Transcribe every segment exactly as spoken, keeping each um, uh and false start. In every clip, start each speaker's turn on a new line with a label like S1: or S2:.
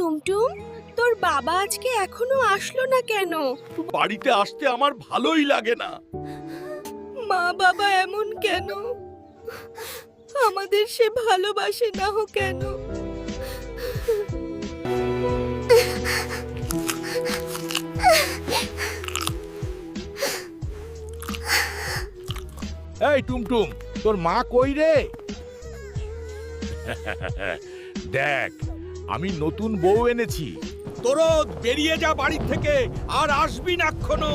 S1: টুমটুম, তোর বাবা আজকে এখনো আসলো না কেন?
S2: বাড়িতে আসতে আমার ভালোই লাগে না।
S1: মা বাবা এমন কেন? আমাদের সে ভালোবাসে না হো কেন?
S2: এই টুমটুম, তোর মা কই রে? দেখ, আমি নতুন বউ এনেছি। তোরও বেরিয়ে যা বাড়ি থেকে, আর আসবি না এক্ষুনো।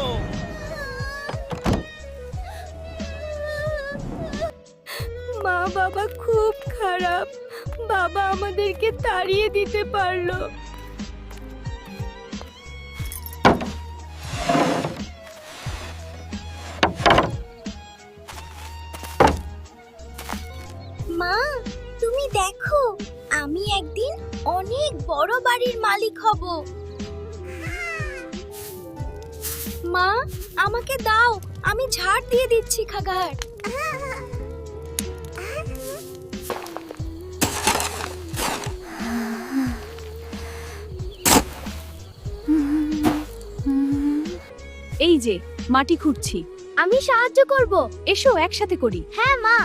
S1: মা বাবা খুব খারাপ। বাবা আমাদেরকে তাড়িয়ে দিতে পারলো। মা, তুমি দেখো, আমি একদিন অনেক বড় বাড়ির মালিক হব। মা, আমাকে দাও, আমি ঝাড় দিয়ে দিচ্ছি খাগার।
S3: এই যে মাটি খুঁড়ছি।
S1: আমি সাহায্য করব।
S3: এসো একসাথে করি।
S1: হ্যাঁ মা।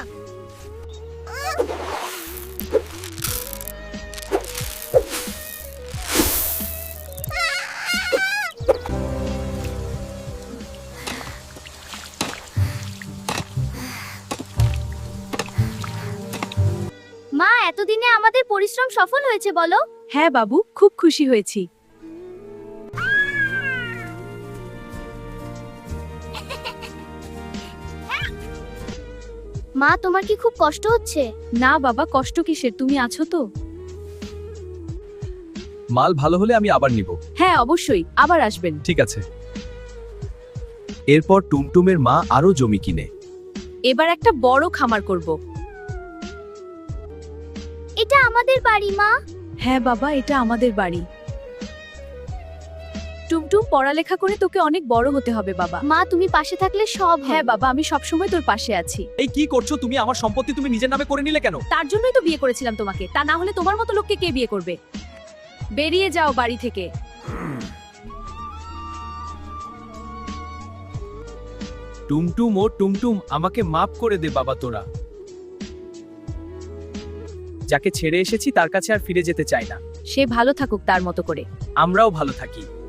S1: মা, এতদিনে আমাদের পরিশ্রম সফল হয়েছে বলো?
S3: হ্যাঁ বাবু, খুব খুশি হয়েছি।
S1: মা, তোমার কি খুব কষ্ট হচ্ছে?
S3: না বাবা, কষ্ট কিসের, তুমি আছো তো।
S4: মাল ভালো হলে আমি আবার নিব।
S3: হ্যাঁ অবশ্যই, আবার আসবেন।
S4: ঠিক আছে। এরপর টুমটুমের মা আরো জমি কিনে।
S3: এবার একটা বড় খামার করব।
S1: এটা আমাদের বাড়ি মা।
S3: হ্যাঁ বাবা, এটা আমাদের বাড়ি। টুমটুম, পড়ালেখা করে তোকে অনেক বড় হতে হবে বাবা।
S1: মা, তুমি পাশে থাকলে সব
S3: হ্যাঁ বাবা, আমি সবসময় তোর পাশে আছি।
S4: এই কি করছো তুমি? আমার সম্পত্তি তুমি নিজের নামে করে নিলে কেন?
S3: তার জন্যই তো বিয়ে করেছিলাম তোমাকে, তা না হলে তোমার মতো লোককে কে বিয়ে করবে? বেরিয়ে যাও বাড়ি থেকে।
S4: টুমটুম ও টুমটুম, আমাকে মাফ করে দে বাবা। তোরা যাকে ছেড়ে এসেছি তার কাছে আর ফিরে যেতে চাই না।
S3: সে ভালো থাকুক তার মতো করে।
S4: আমরাও ভালো থাকি।